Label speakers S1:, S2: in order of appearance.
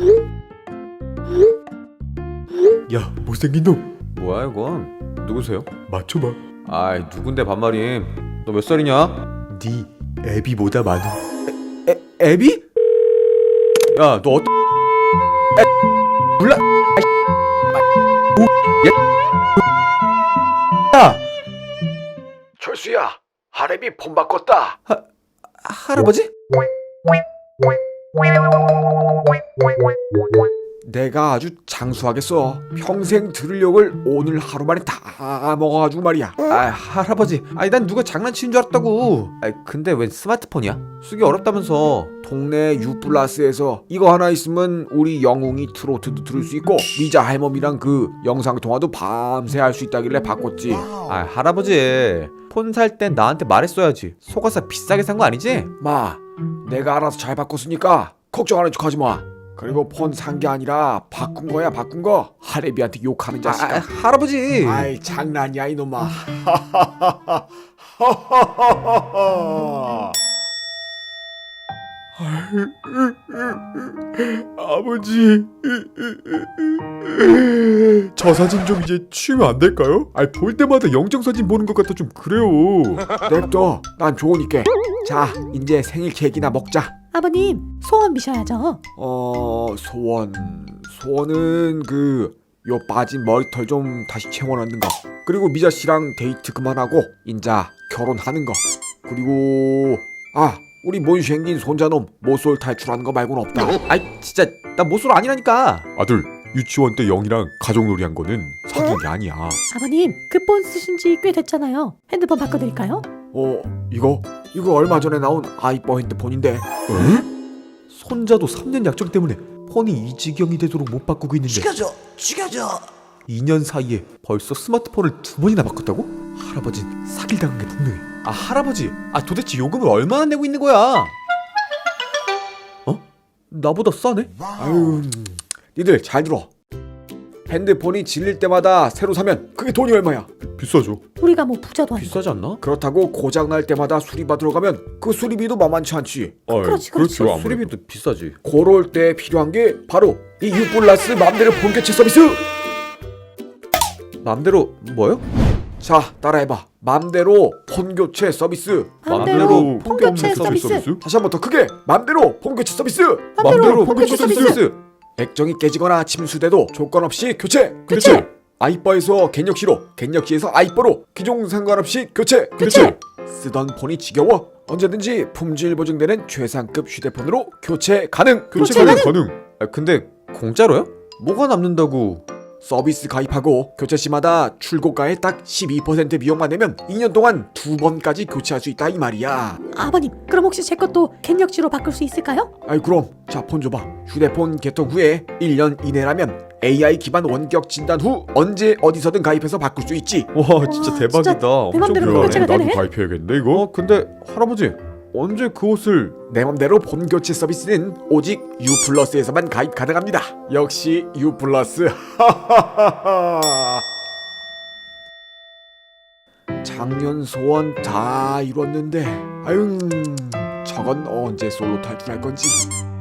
S1: 야, 못생긴 놈
S2: 뭐야 이건? 누구세요?
S1: 맞춰봐.
S2: 아이 누군데 반말임. 너 몇 살이냐?
S1: 네 애비보다 많은.
S2: 애비? 야 너 어떤 몰라? 야
S3: 철수야, 하렘이 폰 바꿨다.
S2: 할아버지?
S3: 내가 아주 장수하겠어. 평생 들을 욕을 오늘 하루 만에 다 먹어가지고 말이야.
S2: 아 할아버지, 아니 난 누가 장난치는 줄 알았다고. 아 근데 웬 스마트폰이야? 쓰기 어렵다면서.
S3: 동네 유플러스에서 이거 하나 있으면 우리 영웅이 트로트도 들을 수 있고 미자 할멈이랑 그 영상통화도 밤새 할 수 있다길래 바꿨지.
S2: 아 할아버지, 폰 살 땐 나한테 말했어야지. 속아서 비싸게 산 거 아니지?
S3: 마, 내가 알아서 잘 바꿨으니까 걱정하는 척 하지 마. 그리고 폰 산 게 아니라 바꾼 거야, 바꾼 거. 하렘이한테 욕하는 자식아.
S2: 할아버지.
S3: 아이 장난이야 이놈아.
S1: 아버지, 저 사진 좀 이제 치우면 안 될까요? 아니 볼 때마다 영정 사진 보는 것 같아 좀 그래요.
S3: 냅둬, 난 좋으니까. 자, 이제 생일 케이크나 먹자.
S4: 아버님, 소원 비셔야죠.
S3: 소원은 요 빠진 머리털 좀 다시 채워넣는 거. 그리고 미자 씨랑 데이트 그만하고 인자 결혼하는 거. 그리고 우리 못생긴 손자놈 모쏠 탈출하는 거 말고는 없다.
S2: 아이 진짜 나 모쏠 아니라니까.
S1: 아들, 유치원 때 영이랑 가족놀이 한 거는 사귄 게 아니야.
S4: 아버님, 그 폰 쓰신 지 꽤 됐잖아요. 핸드폰 바꿔드릴까요?
S3: 이거 얼마 전에 나온 아이뻐 핸드폰인데.
S1: 손자도 3년 약정 때문에 폰이 이 지경이 되도록 못 바꾸고 있는데
S3: 죽여줘.
S1: 2년 사이에 벌써 스마트폰을 2번이나 바꿨다고? 할아버진 사기를 당한 게 분명해.
S2: 아 할아버지, 도대체 요금을 얼마나 내고 있는 거야?
S1: 나보다 싸네?
S3: 아유, 니들 잘 들어. 핸드폰이 질릴 때마다 새로 사면 그게 돈이 얼마야?
S1: 비싸죠.
S4: 우리가 뭐 부자도 아니고.
S2: 비싸지 않나?
S3: 그렇다고 고장 날 때마다 수리받으러 가면 그 수리비도 만만치 않지.
S4: 그렇지.
S1: 그렇죠. 아무래도.
S2: 수리비도 비싸지.
S3: 그럴 때 필요한 게 바로 이 유플러스 맘대로 폰 교체 서비스.
S2: 맘대로 뭐요?
S3: 자, 따라해봐. 맘대로 폰 교체 서비스.
S4: 맘대로 폰 교체 서비스.
S3: 다시 한번 더 크게. 맘대로 폰 교체 서비스.
S4: 맘대로 폰 교체 서비스.
S3: 액정이 깨지거나 침수돼도 조건 없이 교체.
S4: 교체.
S3: 아이뻐에서 겐역시로, 겐역시에서 아이뻐로 기종 상관없이 교체.
S4: 교체.
S3: 쓰던 폰이 지겨워? 언제든지 품질 보증되는 최상급 휴대폰으로 교체 가능.
S4: 교체
S1: 가능.
S2: 근데 공짜로요? 뭐가 남는다고?
S3: 서비스 가입하고 교체 시마다 출고가의 딱 12% 비용만 내면 2년 동안 2번까지 교체할 수 있다 이 말이야.
S4: 아버님, 그럼 혹시 제 것도 겐역지로 바꿀 수 있을까요?
S3: 아이 그럼 자, 폰 줘봐. 휴대폰 개통 후에 1년 이내라면 AI 기반 원격 진단 후 언제 어디서든 가입해서 바꿀 수 있지.
S2: 와 진짜
S4: 와,
S2: 대박이다.
S4: 진짜 내 맘대로
S2: 엄청
S4: 교체가
S2: 좋아해.
S4: 되네.
S1: 나도 가입해야겠네 이거.
S2: 근데 할아버지 언제 그 옷을?
S3: 내 맘대로 폰 교체 서비스는 오직 유플러스에서만 가입 가능합니다. 역시 유플러스. 작년 소원 다 이뤘는데, 아유, 저건 언제 솔로 탈출할 건지.